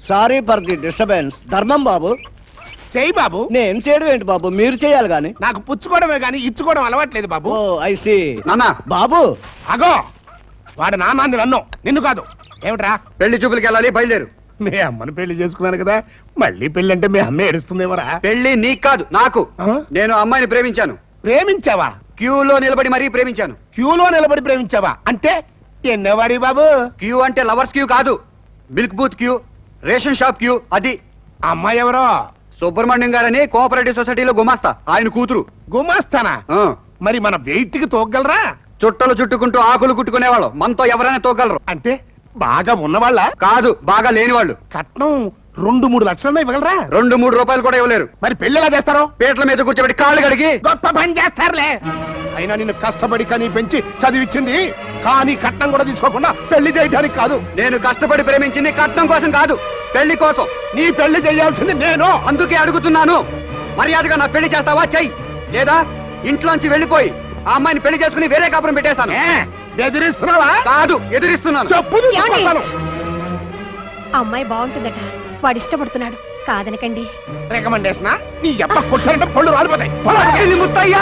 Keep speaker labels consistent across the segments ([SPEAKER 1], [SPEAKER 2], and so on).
[SPEAKER 1] Sorry for the disturbance. ధర్మం బాబు.
[SPEAKER 2] చెయ్యి బాబు.
[SPEAKER 1] నేను చేయడం ఏంటి బాబు, మీరు చేయాలి గాని.
[SPEAKER 2] నాకు పుచ్చుకోవడమే గాని ఇచ్చుకోవడం అలవాట్లేదు బాబు.
[SPEAKER 1] ఓ ఐ సీ.
[SPEAKER 3] నాన్న
[SPEAKER 1] బాబు
[SPEAKER 2] అగో వాడు నాన్న నన్ను నిన్ను కాదు. ఏమిట్రా?
[SPEAKER 3] పెళ్లి చూపులకి వెళ్ళాలి, బయలుదేరు.
[SPEAKER 2] మీ అమ్మని పెళ్లి చేసుకున్నాను కదా, మళ్ళీ పెళ్లి అంటే మీ అమ్మ ఏడుస్తుందేమరా?
[SPEAKER 3] పెళ్లి నీకు కాదు నాకు. నేను అమ్మాయిని ప్రేమించాను.
[SPEAKER 2] ప్రేమించావా?
[SPEAKER 3] క్యూలో నిలబడి మరీ ప్రేమించాను.
[SPEAKER 2] క్యూలో నిలబడి ప్రేమించావా? అంటే ఎన్నవాడి బాబు?
[SPEAKER 3] క్యూ అంటే లవర్స్ క్యూ కాదు, milk booth queue, ration shop queue. అది
[SPEAKER 2] అమ్మాయి ఎవరో?
[SPEAKER 3] సుబ్రహ్మణ్యం గారని కోఆపరేటివ్ సొసైటీలో గుమాస్తా, ఆయన కూతురు.
[SPEAKER 2] గుమాస్తానా? మరి మన వెయిట్ కి తోగలరా?
[SPEAKER 3] చుట్టలు చుట్టుకుంటూ ఆకులు కుట్టుకునేవాళ్ళు, మనతో ఎవరైనా తోగలరు.
[SPEAKER 2] అంటే బాగా ఉన్నవాళ్ళ?
[SPEAKER 3] కాదు, బాగా లేని వాళ్ళు.
[SPEAKER 2] కట్నం 2-3 లక్షలన్నా ఇవ్వగలరా?
[SPEAKER 3] 2-3 రూపాయలు కూడా ఇవ్వలేరు.
[SPEAKER 2] మరి పెళ్లి ఎలా చేస్తారో?
[SPEAKER 3] పీటల మీద కూర్చోబెట్టి కాళ్ళు కడిగి.
[SPEAKER 2] గొప్ప పని చేస్తారులే. అయినా నిన్ను కష్టపడి కని పెంచి చదివిచ్చింది, కానీ కట్నం కూడా తీసుకోకుండా పెళ్లి చేయడానికి కాదు.
[SPEAKER 3] నేను కష్టపడి ప్రేమించింది కట్నం కోసం కాదు, పెళ్లి కోసం.
[SPEAKER 2] నీ పెళ్లి చేయాల్సింది నేను.
[SPEAKER 3] అందుకే అడుగుతున్నాను, మర్యాదగా నా పెళ్లి చేస్తావా? చెయ్యి, లేదా ఇంట్లోంచి వెళ్ళిపోయి ఆ అమ్మాయిని పెళ్లి చేసుకుని వేరే కాపురం పెట్టేస్తాను.
[SPEAKER 2] బెదిరిస్తున్నావా?
[SPEAKER 3] కాదు, ఎదురిస్తున్నాను.
[SPEAKER 2] చెప్పు.
[SPEAKER 4] అమ్మాయి బాగుంటుందట, వాడు ఇష్టపడుతున్నాడు, కాదనకండి.
[SPEAKER 2] రికమెండేషన్ నీ ఎప్ప కొట్టారంటే పళ్ళు రాలిపోతాయి.
[SPEAKER 3] ముత్తయ్యా,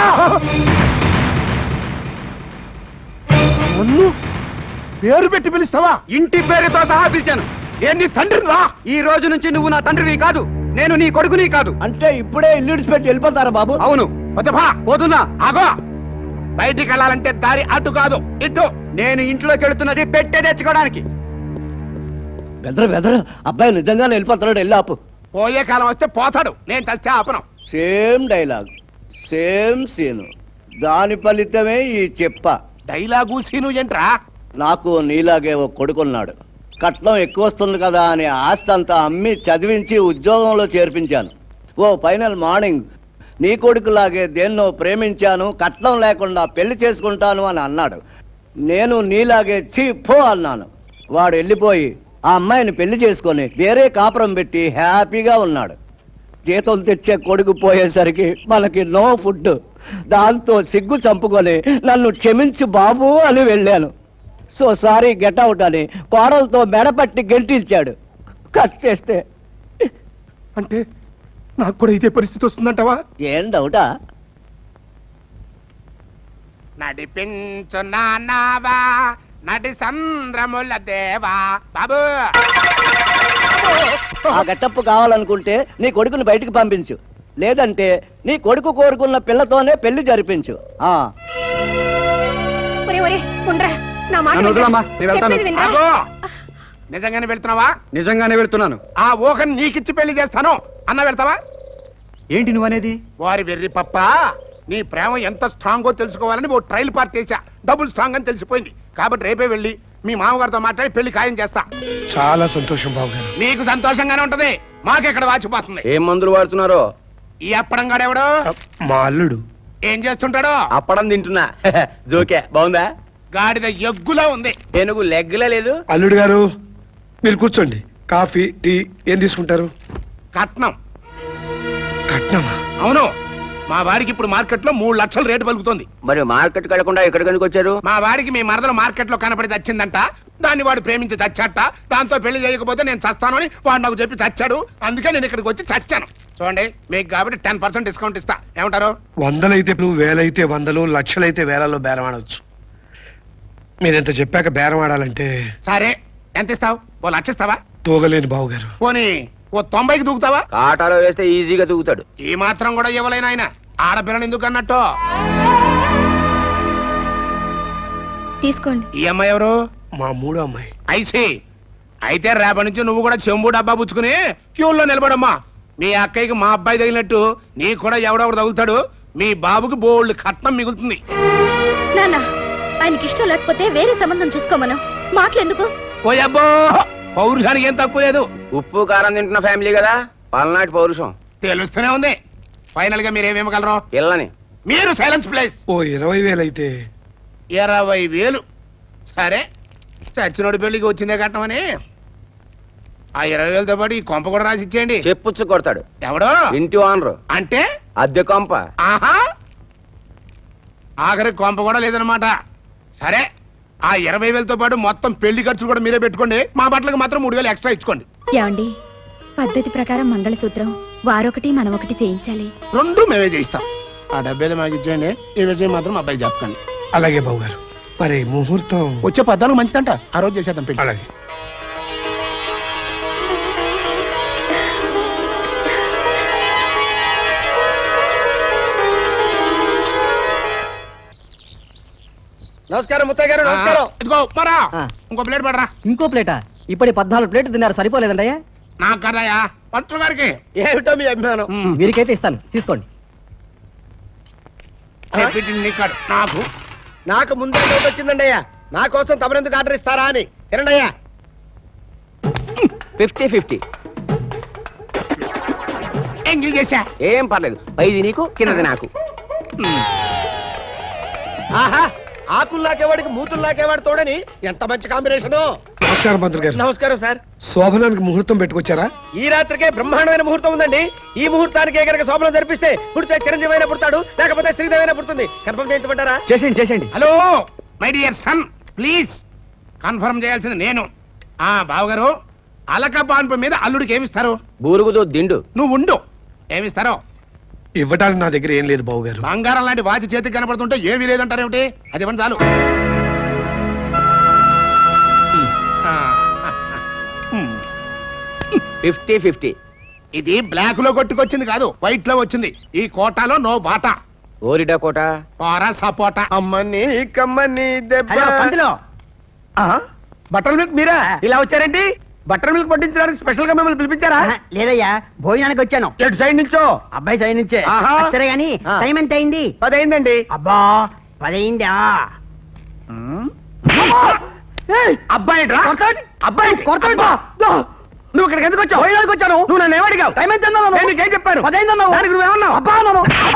[SPEAKER 2] నన్ను పేరు పెట్టి పిలుస్తావా?
[SPEAKER 3] ఇంటి పేరుతో సహా పిలిచాను.
[SPEAKER 2] నేను నీ తండ్రిని రా.
[SPEAKER 3] ఈ రోజు నుంచి నువ్వు నా తండ్రివి కాదు, నేను నీ కొడుకుని కాదు.
[SPEAKER 1] అంటే ఇప్పుడే ఇల్లు విడిచిపెట్టి వెళ్ళిపోతారా బాబు?
[SPEAKER 3] అవును. పోతున్నా.
[SPEAKER 2] ఆగో, బయటికి వెళ్ళాలంటే దారి అటు కాదు ఇటు.
[SPEAKER 3] నేను ఇంట్లోకి వెళుతున్నది పెట్టే తెచ్చుకోవడానికి.
[SPEAKER 1] బెదరు అబ్బాయి నిజంగానే వెళ్ళిపోతున్నాడు, వెళ్ళి ఆపు.
[SPEAKER 2] పోయే కాలం వస్తే పోతాడు, నేను చస్తే ఆపను.
[SPEAKER 1] సేమ్ డైలాగ్, సేమ్ సీను, దాని ఫలితమే ఈ చెప్ప.
[SPEAKER 2] డైలాగు సీను ఏంట్రా?
[SPEAKER 1] నాకు నీలాగే ఓ కొడుకున్నాడు. కట్నం ఎక్కువ వస్తుంది కదా అని ఆస్తి అంతా అమ్మి చదివించి ఉద్యోగంలో చేర్పించాను. ఓ ఫైనల్ మార్నింగ్ నీ కొడుకులాగే దేన్నో ప్రేమించాను, కట్నం లేకుండా పెళ్లి చేసుకుంటాను అని అన్నాడు. నేను నీలాగే పో అన్నాను. వాడు వెళ్ళిపోయి ఆ అమ్మాయిని పెళ్లి చేసుకొని వేరే కాపురం పెట్టి హ్యాపీగా ఉన్నాడు. జీతం తెచ్చే కొడుకు పోయేసరికి మనకి నో ఫుడ్. దాంతో సిగ్గు చంపుకొని నన్ను క్షమించు బాబు అని వెళ్ళాను. సో సారీ గెట్ అవుట్ అని కోడలతో మెడపట్టి గెంటించాడు. కట్ చేస్తే
[SPEAKER 2] అంటే నాకు కూడా ఇదే పరిస్థితి వస్తుందంటవా?
[SPEAKER 1] ఏం డౌటా?
[SPEAKER 2] నడిపించు నానావా నడి సంద్రముల దేవా బాబు.
[SPEAKER 1] ఆ గెటప్ కావాలనుకుంటే నీ కొడుకుని బయటికి పంపించు, లేదంటే నీ కొడుకు కోరుకున్న పిల్లతోనే పెళ్లి జరిపించు.
[SPEAKER 2] నిజంగానే వెళ్తున్నావా?
[SPEAKER 3] నిజంగానే వెళ్తున్నాను.
[SPEAKER 2] ఆ ఊహని నీకిచ్చి పెళ్లి చేస్తాను అన్న వెళ్తావా?
[SPEAKER 3] ఏంటి నువ్వనేది?
[SPEAKER 2] వారి వెర్రి పప్ప, నీ ప్రేమ ఎంత స్ట్రాంగో తెలుసుకోవాలని ఓ ట్రయల్ పార్టీ చేశా. డబుల్ స్ట్రాంగ్ అని తెలిసిపోయింది. కాబట్టి రేపే వెళ్ళి మీ మామగారితో మాట్లాడి పెళ్లి ఖాయం చేస్తా.
[SPEAKER 5] చాలా సంతోషం బాబు గారు.
[SPEAKER 2] మీకు సంతోషంగానే ఉంటది, మాకెక్కడ వాచిపోతుంది.
[SPEAKER 3] ఏం మందులు వాడుతున్నారో?
[SPEAKER 2] ఈ అప్పడం గాడెవడు?
[SPEAKER 5] మా అల్లుడు.
[SPEAKER 2] ఏం చేస్తుంటాడో?
[SPEAKER 3] అప్పడం తింటున్నా. జోకే బాగుందా?
[SPEAKER 2] గాడిద ఎగ్గులా ఉంది.
[SPEAKER 3] ఏనుగు లెగ్గులా లేదు.
[SPEAKER 5] అల్లుడు గారు మీరు కూర్చోండి. కాఫీ టీ ఏం తీసుకుంటారు?
[SPEAKER 2] కట్నం.
[SPEAKER 5] కట్నమా?
[SPEAKER 2] అవును, మా వాడికి ఇప్పుడు మార్కెట్ లో 3 లక్షల రేటు పలుకుతుంది.
[SPEAKER 3] మరి మార్కెట్ కడకుండా ఎక్కడికి ఎందుకు వచ్చారు?
[SPEAKER 2] మా వాడికి మీ మరదలు మార్కెట్ లో కనపడి చచ్చిందంట. దాన్ని వాడు ప్రేమించి చచ్చాట. దాంతో పెళ్లి చేయకపోతే నేను చస్తాను అని వాడు నాకు చెప్పి చచ్చాడు. అందుకే నేను ఇక్కడికి వచ్చి చచ్చాను. చూడండి, మీకు కాబట్టి 10% డిస్కౌంట్ ఇస్తా. ఏమంటారు?
[SPEAKER 5] 100లైతే 1000అయితే 100, లక్షలైతే వేలలో బేరం ఆడవచ్చు. మీరెంత చెప్పాక బేరం ఆడాలంటే.
[SPEAKER 2] సరే, ఎంత ఇస్తావు? 1 లక్ష ఇస్తావా?
[SPEAKER 5] తూగలేని బాబు గారు.
[SPEAKER 2] పోనీ 90కి దూకుతావా?
[SPEAKER 3] కాటాలో వేస్తే ఈజీగా దూకుతాడు.
[SPEAKER 2] ఈ మాత్రం కూడా ఇవ్వలేను. ఆయన ఆడపిల్లని ఎందుకు అన్నట్టు.
[SPEAKER 4] తీసుకోండి.
[SPEAKER 2] ఈ అమ్మాయి ఎవరు?
[SPEAKER 5] మా మూడో అమ్మాయి.
[SPEAKER 2] ఐసి. అయితే రేపటి నుంచి నువ్వు కూడా చెంబు డబ్బా పుచ్చుకుని క్యూల్లో నిలబడమ్మా. మీ అక్కయ్యకి మా అబ్బాయి తగిలినట్టు నీకు కూడా ఎవడొకడు తగులుతాడు. మీ బాబుకి బోల్డ్ కట్నం మిగులుతుంది.
[SPEAKER 4] నాన్న, ఆయనకి ఇష్టం లేకపోతే వేరే సంబంధం చూసుకోమను. మాటలెందుకు?
[SPEAKER 2] ఓయబ్బో, పౌరుషానికి ఏం తక్కువ లేదు.
[SPEAKER 3] ఉప్పు కారం తింటున్న ఫ్యామిలీ కదా, పల్నాటి పౌరుషం
[SPEAKER 2] తెలుస్తూనే ఉంది. ఫైనల్ గా మీరేమేమగలరు?
[SPEAKER 3] పిల్లని.
[SPEAKER 2] మీరు సైలెన్స్ ప్లేస్.
[SPEAKER 5] ఓ 20,000 అయితే.
[SPEAKER 2] 20,000. సరే, చచ్చినోడి పెళ్లికి వచ్చిందే కట్టమని ఆ 20,000తో పాటు ఈ కొంప కూడా రాసి ఇచ్చేయండి.
[SPEAKER 3] చెప్పుచ్చు కొడతాడు.
[SPEAKER 2] ఎవడో?
[SPEAKER 3] ఇంటి ఓనరు.
[SPEAKER 2] అంటే
[SPEAKER 3] అద్దె కొంప.
[SPEAKER 2] ఆహా, ఆఖరి కొంప కూడా లేదనమాట. సరే, ఆ 20,000తో పాటు మొత్తం పెళ్లి ఖర్చులు కూడా మీరే పెట్టుకోండి. మా బట్టలకు మాత్రం 3,000 ఎక్స్ట్రా ఇచ్చుకోండి.
[SPEAKER 4] ఏమండి, పద్ధతి ప్రకారం మంగళసూత్రం వారొకటి మనమొకటి చేయించాలి.
[SPEAKER 2] రెండు మేమే చేయిస్తాం. ఆ డబ్బేది మాకు ఇచ్చేయండి, ఈ విషయం మాత్రం అబ్బాయి చెప్పకండి.
[SPEAKER 5] అలాగే బాబు గారు. మరి ముహూర్తం
[SPEAKER 2] వచ్చే 14 మంచిదంట, ఆ రోజు చేసేద్దాం పెళ్లి.
[SPEAKER 5] అలాగే.
[SPEAKER 1] నమస్కారం ముత్తయ్య గారు, నమస్కారం.
[SPEAKER 2] ఇదిగో ఉప్మారా, ఇంకో ప్లేట్ పడరా.
[SPEAKER 6] ఇంకో ప్లేటా? ఇప్పటి 14 ప్లేట్లు తిన్నారు, సరిపోలేదండయ్యా?
[SPEAKER 2] నాకు కదయ్యా, పంతులు గారికి.
[SPEAKER 1] ఏమిటో మీ అభిమానం?
[SPEAKER 6] వీరికైతే ఇస్తాను, తీసుకోండి.
[SPEAKER 2] నీకాడు నాకు
[SPEAKER 1] నాకు ముందే డౌట్ వచ్చిందండి అయ్యా, నా కోసం తమరెందుకు ఆర్డర్ ఇస్తారా అని. తినండి అయ్యా.
[SPEAKER 3] 50-50.
[SPEAKER 2] ఎంగిల్ చేశా.
[SPEAKER 3] ఏం పర్లేదు, పైది నీకు కిందది నాకు.
[SPEAKER 1] ఆహా, ఆకులు నాకేవాడికి మూతులు నాకేవాడు తోడని ఎంత మంచి కాంబినేషన్.
[SPEAKER 5] నమస్కారం మంత్రి గారు.
[SPEAKER 1] నమస్కారం సార్.
[SPEAKER 5] శోభనానికి ముహూర్తం పెట్టుకొచ్చారా?
[SPEAKER 1] ఈ రాత్రికే బ్రహ్మాండమైన ముహూర్తం ఉందండి. ఈ ముహూర్తానికి కనుక శోభనం జరిపిస్తే పుడితే చిరంజీవి అయినా పుడతాడు, లేకపోతే శ్రీదేవైనా పుడుతుంది. కన్ఫర్మ్ చేయించమంటారా?
[SPEAKER 3] చేసేయండి.
[SPEAKER 2] Hello my dear son, please confirm చేయాల్సింది నేను. బావగారు, అలక పాన్పు మీద అల్లుడికి ఏమిస్తారు?
[SPEAKER 3] బూరుగుదో దిండు.
[SPEAKER 2] నువ్వు ఉండు, ఏమిస్తారో.
[SPEAKER 5] ఇవ్వటానికి నా దగ్గర ఏం లేదు బాబు గారు.
[SPEAKER 2] బంగారం లాంటి వాచి చేతికి కనపడుతుంటే ఏమీ లేదంటారేమిటి? అది ఇవ్వండి చాలు.
[SPEAKER 3] 50-50.
[SPEAKER 2] ఇది బ్లాక్ లో కొట్టుకొచ్చింది కాదు, వైట్ లో వచ్చింది. ఈ కోటాలో నో బాటా.
[SPEAKER 3] ఓరిడా కోట.
[SPEAKER 2] పారా సపోటా.
[SPEAKER 1] అమ్మని కమ్మని
[SPEAKER 6] హలో, పంతులు.
[SPEAKER 1] బటర్ మిల్క్ మీరా? ఇలా వచ్చారండి? బటర్ మిల్క్ పట్టించడానికి స్పెషల్ గా మిమ్మల్ని పిలిపించారా?
[SPEAKER 6] లేదయ్యా, భోజనానికి వచ్చాను.
[SPEAKER 1] ఎటు సైడ్ నుంచో?
[SPEAKER 6] అబ్బాయి సైడ్ నుంచే.
[SPEAKER 1] ఆహా.
[SPEAKER 6] సరే గాని
[SPEAKER 1] ఆ.
[SPEAKER 6] టైం ఎంత అయింది?
[SPEAKER 1] 10 అయిందండి.
[SPEAKER 6] అబ్బా, 10 అయిందా?
[SPEAKER 1] అబ్బాయి అబ్బాయి నువ్వు ఇక్కడికి ఎందుకు వచ్చావు? భోజనానికి వచ్చాను. నువ్వు నన్ను ఏమడిగావు? టైం ఎంత అన్నావు? నేను నీకేం చెప్పాను? 10 అయిందన్నావు. దానికి నువ్వేమన్నావు? అబ్బా అన్నాను.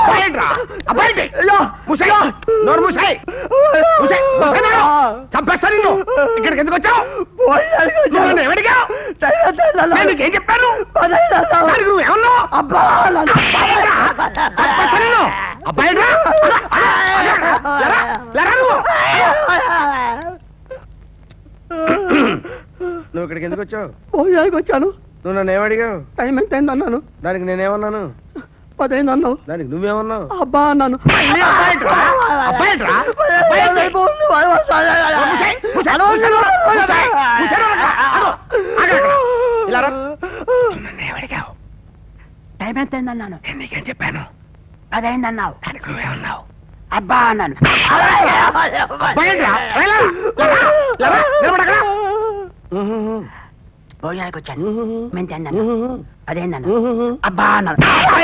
[SPEAKER 1] చంపేస్తా నిన్ను. ఇక్కడికి ఎందుకు వచ్చావు? నువ్వు నన్ను ఏమడిగావు? నేను నీకేం చెప్పాను? దానికి నువ్వేమన్నావు? అబ్బా చంపేస్తా నిన్ను. అబ్బాయి నువ్వు ఇక్కడికి ఎందుకు వచ్చావు?
[SPEAKER 6] భోజనానికి వచ్చాను.
[SPEAKER 1] నువ్వు నన్ను ఏమడిగావు?
[SPEAKER 6] టైం ఎంత అయింది అన్నాను.
[SPEAKER 1] దానికి నేనేమన్నాను?
[SPEAKER 6] 10 అయింది అన్నావు.
[SPEAKER 1] దానికి నువ్వేమన్నావు?
[SPEAKER 6] అబ్బా అన్నాను. టైం ఎంత అయింది అన్నాను.
[SPEAKER 2] నీకేం చెప్పాను?
[SPEAKER 6] 10 అయింది అన్నావు.
[SPEAKER 2] దానికి నువ్వేమన్నావు?
[SPEAKER 6] అబ్బా అన్నాను. భోజనానికి వచ్చాను. మేము తిన్నాను. 10 అయింది అన్నాను. అబ్బా అన్నాను.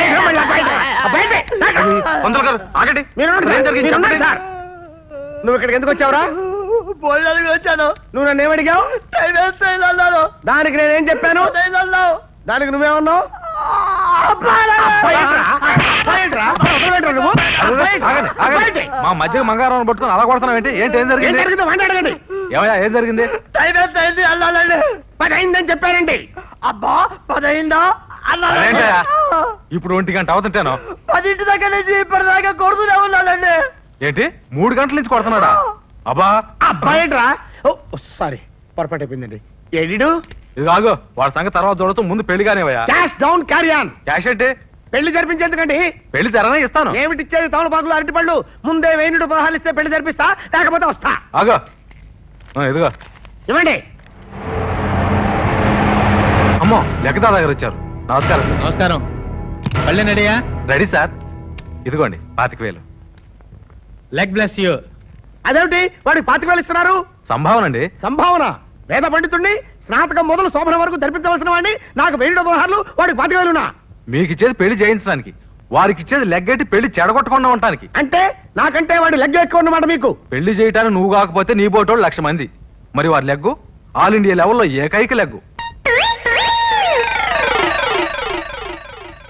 [SPEAKER 1] నువ్వు ఇక్కడికి ఎందుకు వచ్చావురా?
[SPEAKER 6] భోజనానికి వచ్చాను.
[SPEAKER 1] నువ్వు నన్ను ఏమడిగావు?
[SPEAKER 6] టైం ఎంత అయింది అన్నాను.
[SPEAKER 1] దానికి నేనేం చెప్పాను?
[SPEAKER 6] 10 అయింది అన్నావు.
[SPEAKER 1] దానికి నువ్వేమన్నావు?
[SPEAKER 7] మా మధ్య మంగారం పట్టుకుని అలా కొడుతున్నావు ఏంటి? ఏంటి ఏం జరిగింది? ఏమయ్యా, ఏం జరిగింది?
[SPEAKER 6] టైం ఎంత అయింది అన్నానండి.
[SPEAKER 2] 10 అయిందని చెప్పారండి.
[SPEAKER 6] అబ్బా, 10 అయిందా
[SPEAKER 7] అదేంటయ్యా?
[SPEAKER 6] అన్నాను.
[SPEAKER 7] ఇప్పుడు 1 గంట అవుతుంటాను.
[SPEAKER 6] 10 దగ్గర నుంచి ఇప్పటిదాకా కొడుతూనే ఉన్నానండి.
[SPEAKER 7] ఏంటి 3 గంటల నుంచి కొడుతున్నాడా? అబ్బా
[SPEAKER 2] అబ్బాయిట్రా. సారీ, పొరపాటు అయిపోయిందండి. ఎడిడు
[SPEAKER 7] ఇది కాదు, వాడి సంగతి తర్వాత చూడొచ్చు, ముందు పెళ్లి కానివయ్యా.
[SPEAKER 2] Cash down carry on.
[SPEAKER 7] Cash అంటే
[SPEAKER 2] పెళ్లి జరిపించేందుకండి.
[SPEAKER 7] పెళ్లి జరనే ఇస్తాను.
[SPEAKER 2] ఏమిటి ఇచ్చేది? తమలపాకులు, అరటిపళ్ళు. ముందే 1000 పదహాలు ఇస్తే పెళ్లి జరిపిస్తా, లేకపోతే వస్తా.
[SPEAKER 7] ఆగో, ఇదిగో
[SPEAKER 2] ఇవ్వండి.
[SPEAKER 7] అమ్మో, లెక్కదా దగ్గర వచ్చారు. నమస్కారం సార్.
[SPEAKER 8] నమస్కారం. పళ్ళె నడియా?
[SPEAKER 7] Ready sir. ఇదిగోండి 25,000.
[SPEAKER 8] Leg bless you.
[SPEAKER 2] అదేమిటి వాడికి 25,000 ఇస్తున్నారు?
[SPEAKER 7] సంభావన అండి.
[SPEAKER 2] సంభావన? వేద పండితుడిని, స్నాతకం మొదలు శోభన వరకు జరిపించవలసిన వాడిని నాకు 1000 పదహారులు, వాడికి 25,000.
[SPEAKER 7] మీకు ఇచ్చేది పెళ్లి చేయించడానికి, వారికి ఇచ్చేది లెగ్గెట్టి పెళ్లి చెడగొట్టకుండా ఉండటానికి.
[SPEAKER 2] అంటే నాకంటే వాడి లెగ్ ఎక్కువ అన్నమాట మీకు.
[SPEAKER 7] పెళ్లి చేయటానికి నువ్వు కాకపోతే నీ బోటోళ్ళు 1,00,000 మంది. మరి వారి లెగ్గు ఆల్ ఇండియా లెవెల్లో ఏకైక లెగ్గు.